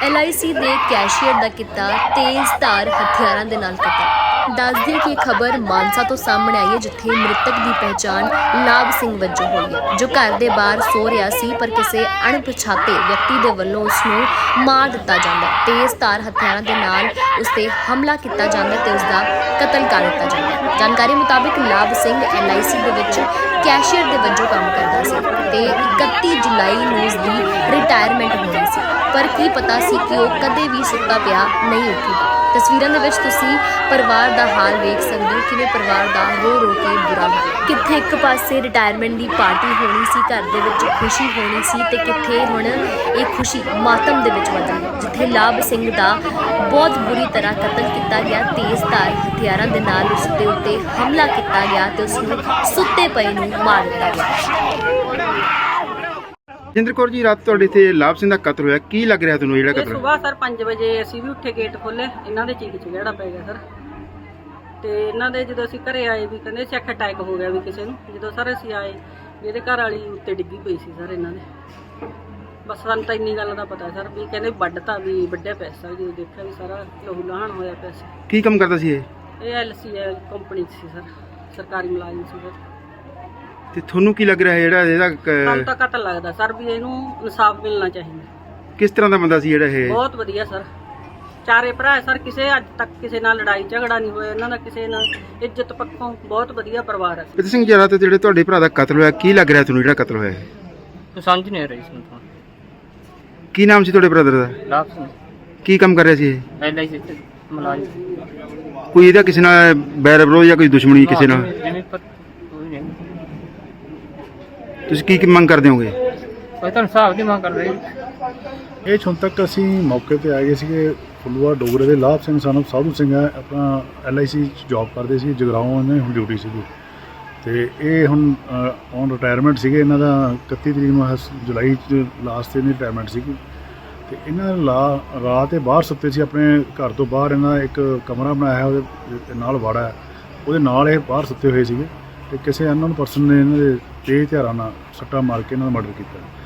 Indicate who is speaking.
Speaker 1: LIC ਦੇ cashier ਦਾ ਕੀਤਾ ਤੇਜ਼ਧਾਰ ਹਥਿਆਰਾਂ ਦੇ ਨਾਲ ਕਤਲ। ਦੱਸ ਦਈਏ ਕਿ ਇਹ ਖਬਰ ਮਾਨਸਾ ਤੋਂ ਸਾਹਮਣੇ ਆਈ ਹੈ, ਜਿੱਥੇ ਮ੍ਰਿਤਕ ਦੀ ਪਹਿਚਾਣ ਲਾਭ ਸਿੰਘ ਵਜੋਂ ਹੋਈ ਹੈ, ਜੋ ਘਰ ਦੇ ਬਾਹਰ ਸੋ ਰਿਹਾ ਸੀ, ਪਰ ਕਿਸੇ ਅਣਪਛਾਤੇ ਵਿਅਕਤੀ ਦੇ ਵੱਲੋਂ ਉਸ ਨੂੰ ਮਾਰ ਦਿੱਤਾ ਜਾਂਦਾ ਹੈ। ਤੇਜ਼ਧਾਰ ਹਥਿਆਰਾਂ ਦੇ ਨਾਲ ਉਸ ਤੇ ਹਮਲਾ ਕੀਤਾ ਜਾਂਦਾ ਤੇ ਉਸ ਦਾ ਕਤਲ ਕਰ ਦਿੱਤਾ ਜਾਂਦਾ ਹੈ। ਜਾਣਕਾਰੀ ਮੁਤਾਬਿਕ ਲਾਭ ਸਿੰਘ LIC ਦੇ ਵਿੱਚ ਕੈਸ਼ੀਅਰ ਦੇ ਵਜੋਂ ਕੰਮ ਕਰਦਾ ਸੀ ਤੇ 31 ਜੁਲਾਈ ਨੂੰ ਉਸ ਦੀ ਰਿਟਾਇਰਮੈਂਟ ਹੋਣੀ ਸੀ, ਪਰ ਕੀ ਪਤਾ ਸੀ ਕਿ ਉਹ ਕਦੇ ਵੀ ਸੁੱਤਾ ਪਿਆ ਨਹੀਂ ਉੱਠੇਗਾ। ਤਸਵੀਰਾਂ ਦੇ ਵਿੱਚ ਤੁਸੀਂ ਪਰਿਵਾਰ ਦਾ ਹਾਲ ਵੇਖ ਸਕਦੇ ਹੋ, ਕਿਵੇਂ ਪਰਿਵਾਰ ਦਾ ਰੋ ਰੋ ਕੇ ਬੁਰਾ ਹਾਲ। ਕਿੱਥੇ ਇੱਕ ਪਾਸੇ ਰਿਟਾਇਰਮੈਂਟ ਦੀ ਪਾਰਟੀ ਹੋਣੀ ਸੀ, ਘਰ ਦੇ ਵਿੱਚ ਖੁਸ਼ੀ ਹੋਣੀ ਸੀ, ਤੇ ਕਿੱਥੇ ਹੁਣ ਇਹ ਖੁਸ਼ੀ ਮਾਤਮ ਦੇ ਵਿੱਚ ਬਦਲ ਗਈ, ਜਿੱਥੇ ਲਾਭ ਸਿੰਘ ਦਾ ਬਹੁਤ ਬੁਰੀ ਤਰ੍ਹਾਂ ਕਤਲ ਕੀਤਾ ਗਿਆ। ਤੇਜ਼ਧਾਰ ਹਥਿਆਰਾਂ ਦੇ ਨਾਲ ਉਸ ਦੇ ਉੱਤੇ ਹਮਲਾ ਕੀਤਾ ਗਿਆ ਤੇ ਉਸ ਨੂੰ ਸੁੱਤੇ ਪਏ ਨੂੰ ਮਾਰ ਦਿੱਤਾ ਗਿਆ।
Speaker 2: ਜਿੰਦਰ ਕੌਰ ਜੀ, ਰਾਤ ਤੁਹਾਡੇ ਇੱਥੇ ਲਾਭ ਸਿੰਘ ਦਾ ਕਤਲ ਹੋਇਆ, ਕੀ ਲੱਗ ਰਿਹਾ ਤੁਹਾਨੂੰ ਜਿਹੜਾ ਕਤਲ?
Speaker 3: ਸੁਬਾਹ ਸਰ 5 ਵਜੇ ਅਸੀਂ ਵੀ ਉੱਠੇ, ਗੇਟ ਖੋਲੇ, ਇਹਨਾਂ ਦੇ ਚੀਕ ਚਿਹੜਾ ਪੈ ਗਿਆ ਸਰ। ਤੇ ਇਹਨਾਂ ਦੇ ਜਦੋਂ ਅਸੀਂ ਘਰੇ ਆਏ ਵੀ ਕਹਿੰਦੇ ਚੈੱਕ ਅਟੈਕ ਹੋ ਗਿਆ ਵੀ ਕਿਸੇ ਨੂੰ। ਜਦੋਂ ਸਰ ਅਸੀਂ ਆਏ ਵੀ ਇਹਦੇ ਘਰ ਵਾਲੀ ਉੱਤੇ ਡਿੱਗੀ ਪਈ ਸੀ ਸਰ ਇਹਨਾਂ ਦੇ। ਬਸ ਸਾਨੂੰ ਤਾਂ ਇੰਨੀ ਗੱਲ ਦਾ ਪਤਾ ਸਰ ਵੀ ਕਹਿੰਦੇ ਵੱਢਤਾ ਵੀ ਵੱਢਿਆ ਪਿਆ ਸਰ। ਜਦੋਂ ਦੇਖਿਆ ਵੀ ਸਾਰਾ ਲਹੂ ਲਾਹਣ ਹੋਇਆ ਪਿਆ ਸੀ।
Speaker 2: ਕੀ ਕੰਮ ਕਰਦਾ ਸੀ ਇਹ?
Speaker 3: ਇਹ LC ਕੰਪਨੀ 'ਚ ਸੀ ਸਰ, ਸਰਕਾਰੀ ਮੁਲਾਜ਼ਮ ਸੀ ਸਰ।
Speaker 2: ਤੇ ਤੁਹਾਨੂੰ ਕੀ ਲੱਗ ਰਿਹਾ ਜਿਹੜਾ ਇਹਦਾ
Speaker 3: ਸਾਨੂੰ ਤਾਂ ਕਤਲ ਲੱਗਦਾ ਸਰ ਵੀ ਇਹਨੂੰ ਇਨਸਾਫ ਮਿਲਣਾ ਚਾਹੀਦਾ।
Speaker 2: ਕਿਸ ਤਰ੍ਹਾਂ ਦਾ ਬੰਦਾ ਸੀ ਜਿਹੜਾ ਇਹ?
Speaker 3: ਬਹੁਤ ਵਧੀਆ ਸਰ, ਚਾਰੇ ਭਰਾ ਸਰ, ਕਿਸੇ ਅੱਜ ਤੱਕ ਕਿਸੇ ਨਾਲ ਲੜਾਈ ਝਗੜਾ ਨਹੀਂ ਹੋਇਆ ਇਹਨਾਂ ਦਾ, ਕਿਸੇ ਨਾਲ ਇੱਜ਼ਤ ਪੱਖੋਂ ਬਹੁਤ ਵਧੀਆ ਪਰਿਵਾਰ ਹੈ।
Speaker 2: ਪਿਤ ਸਿੰਘ ਜੀ, ਰਾਤ ਜਿਹੜੇ ਤੁਹਾਡੇ ਭਰਾ ਦਾ ਕਤਲ ਹੋਇਆ, ਕੀ ਲੱਗ ਰਿਹਾ ਤੁਹਾਨੂੰ ਜਿਹੜਾ ਕਤਲ ਹੋਇਆ ਇਹ?
Speaker 4: ਸਮਝ ਨਹੀਂ ਆ ਰਹੀ ਸੀ ਤਾਂ।
Speaker 2: ਕੀ ਨਾਮ ਸੀ ਤੁਹਾਡੇ ਬ੍ਰਦਰ ਦਾ?
Speaker 4: ਲਾਭ ਸਿੰਘ
Speaker 2: ਕੀ ਕੰਮ ਕਰ ਰਿਹਾ ਸੀ ਇਹ?
Speaker 4: LIC ਤੇ ਮੁਲਾਜ਼ਮ।
Speaker 2: ਕੋਈ ਇਹਦਾ ਕਿਸੇ ਨਾਲ ਬੈਰ ਵਿਰੋਧ ਜਾਂ ਕੋਈ ਦੁਸ਼ਮਣੀ ਕਿਸੇ ਨਾਲ?
Speaker 4: ਜਿਵੇਂ ਪਰ ਕੋਈ ਨਹੀਂ,
Speaker 2: ਤੁਸੀਂ ਕੀ ਮੰਗ ਕਰਦੇ ਹੋਗੇ?
Speaker 4: ਕੋਈ ਤਾਂ ਹਿਸਾਬ ਦੀ ਮੰਗ ਕਰ ਰਹੀ।
Speaker 5: ਇਹ ਹੁਣ ਤੱਕ ਅਸੀਂ ਮੌਕੇ ਤੇ ਆਏ ਸੀਗੇ। ਫੁੱਲੂਆ ਡੋਗਰੇ ਦੇ ਲਾਭ ਸਿੰਘ ਸਾਨੂੰ ਸਾਧੂ ਸਿੰਘ ਹੈ, ਆਪਣਾ LIC 'ਚ ਜੌਬ ਕਰਦੇ ਸੀ, ਜਗਰਾਓਂ ਇਹਨਾਂ ਦੀ ਹੁਣ ਡਿਊਟੀ ਸੀਗੀ। ਤੇ ਇਹ ਹੁਣ ਔਨ ਰਿਟਾਇਰਮੈਂਟ ਸੀਗੇ। ਇਹਨਾਂ ਦਾ 31 ਤਰੀਕ ਨੂੰ ਜੁਲਾਈ 'ਚ ਲਾਸਟ ਤੇ ਰਿਟਾਇਰਮੈਂਟ ਸੀਗੀ। ਤੇ ਇਹਨਾਂ ਰਾਤ ਇਹ ਬਾਹਰ ਸੁੱਤੇ ਸੀ, ਆਪਣੇ ਘਰ ਤੋਂ ਬਾਹਰ ਇਹਨਾਂ ਇੱਕ ਕਮਰਾ ਬਣਾਇਆ, ਉਹਦੇ ਨਾਲ ਵਾੜਾ, ਉਹਦੇ ਨਾਲ ਇਹ ਬਾਹਰ ਸੁੱਤੇ ਹੋਏ ਸੀਗੇ। ਤੇ ਕਿਸੇ ਅਨਨੋਨ ਪਰਸਨ ਨੇ ਇਹਨਾਂ ਦੇ ਤੇਜ਼ ਹਥਿਆਰਾਂ ਨਾਲ ਸੱਟਾਂ ਮਾਰ ਕੇ ਇਹਨਾਂ ਦਾ ਮਰਡਰ ਕੀਤਾ।